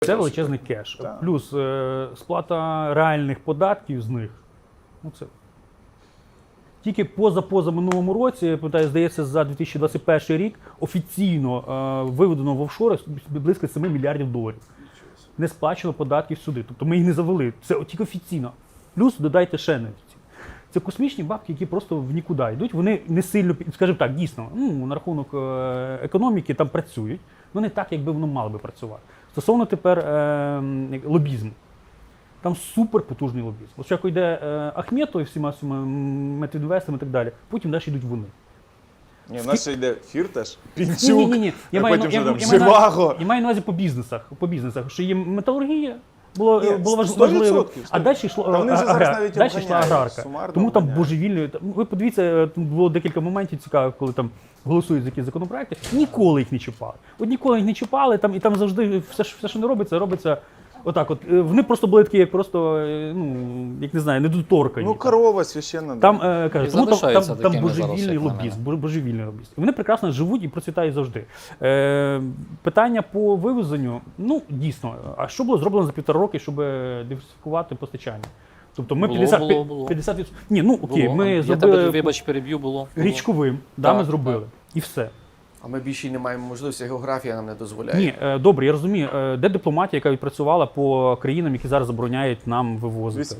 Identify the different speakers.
Speaker 1: Це величезний кеш.
Speaker 2: Так.
Speaker 1: Плюс сплата реальних податків з них. Ну, це. Тільки поза минулому році, я пам'ятаю, здається, за 2021 рік офіційно виведено в офшори близько 7 мільярдів доларів. Не сплачено податків сюди. Тобто ми їх не завели. Це тільки офіційно. Плюс додайте ще неофіційно. Це космічні бабки, які просто в нікуди йдуть. Вони не сильно, скажімо так, дійсно, на рахунок економіки там працюють, але не так, якби воно мало би працювати. Стосовно тепер лобізму. Там супер потужний лобізм. От як йде Ахметов і всіма Метінвестами і так далі, потім далі йдуть вони.
Speaker 2: Ні, в нас ще йде Фірташ, Пінчук,
Speaker 1: Ні.
Speaker 2: а потім вже там Живаго.
Speaker 1: Я маю на увазі по бізнесах, що є металургія, було
Speaker 2: Ні,
Speaker 1: важливо,
Speaker 2: 100%.
Speaker 1: а далі йшла
Speaker 2: Та вони вже зараз навіть обганяють,
Speaker 1: аграрка.
Speaker 2: сумарно
Speaker 1: Тому там
Speaker 2: обганяють.
Speaker 1: божевільно. Ви подивіться, тут було декілька моментів цікавих, коли там голосують за якісь законопроекти, ніколи їх не чіпали. От ніколи їх не чіпали, і там завжди все, що не робиться отак. От вони просто були такі, як просто, як не знаю, недоторкані.
Speaker 2: Ну, корова священна.
Speaker 1: Там кажуть, тому
Speaker 3: залишаються
Speaker 1: там
Speaker 3: такими зараз,
Speaker 1: божевільний
Speaker 3: як на
Speaker 1: лобізм, божевільний лобізм. І вони прекрасно живуть і процвітають завжди. Питання по вивезенню, дійсно, а що було зроблено за 1,5 роки, щоб диверсифікувати постачання? Тобто ми
Speaker 3: Було.
Speaker 1: 50%. Ні, окей,
Speaker 3: Було.
Speaker 1: ми
Speaker 3: Я
Speaker 1: зробили
Speaker 3: тебе, вибач, переб'ю, було.
Speaker 1: річковим, ми
Speaker 3: Так,
Speaker 1: зробили.
Speaker 3: так.
Speaker 1: І все.
Speaker 4: А ми більше й не маємо можливості, географія нам не дозволяє.
Speaker 1: Ні, добре, я розумію, де дипломатія, яка відпрацювала по країнам, які зараз забороняють нам вивозити?